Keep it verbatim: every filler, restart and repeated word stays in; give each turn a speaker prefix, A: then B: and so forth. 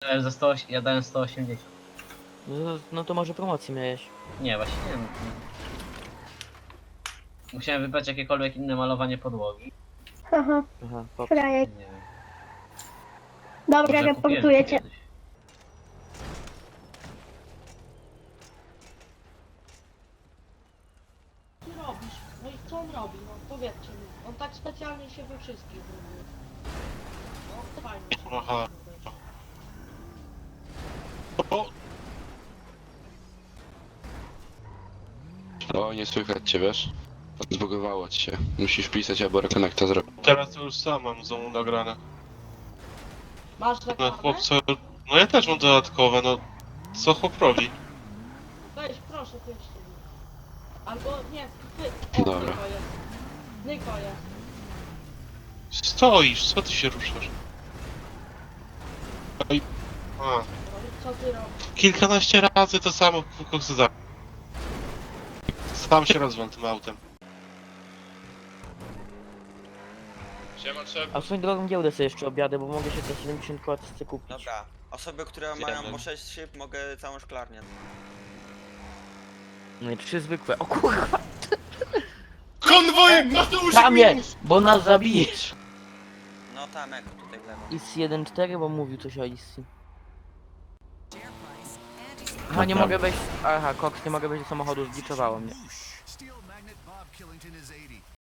A: dałem za sto, ja dałem sto osiemdziesiąt.
B: No, no to może promocję miałeś.
A: Nie, właśnie nie wiem. Musiałem wybrać jakiekolwiek inne malowanie podłogi.
C: Haha,
B: Aha, pop.
C: frajek.
A: Nie wiem.
C: Dobra,
A: Może kupiłem
C: reportuję
A: to
C: cię.
A: kiedyś.
D: Ty robisz? No i co on robi? No powiedzcie mi. On tak specjalnie się we wszystkich robi. No fajnie się
E: Aha.
D: robi.
E: O,
F: O, nie słychać cię, wiesz? Zbugowało ci się. Musisz pisać, albo Rekonek to zrobi.
E: teraz to już sam mam znowu nagrane.
D: Masz
E: No
D: reklamę?
E: chłopco, no ja też mam dodatkowe, no co chłop robi?
D: Weź, proszę, pięćcie mi. Albo nie, ty. O,
F: Dobra.
D: Nyko jest. Nyko jest.
E: Stoisz, co ty się ruszasz? Oj, a,
D: No i co ty robisz?
E: kilkanaście razy to samo koksy za... Sam się rozwam tym autem. Siema, trzeba...
B: A swoją drogą giełdę sobie jeszcze objadę, bo mogę się za siedemdziesiąt koła kupić.
G: Dobra, osoby, które mają po sześć szyb, mogę całą szklarnię.
B: No i trzy zwykłe. O kurwa!
E: Konwoj! Mateusz!
B: Kamie! Bo nas zabijesz!
G: No tam, jak tutaj w lewo.
B: I z jeden cztery, bo mówił coś o Issi. Aha, nie mogę wejść... Aha, Cox, nie mogę wejść do samochodu, zgliczowało mnie.
H: Steel magnet Bob Killington is eighty.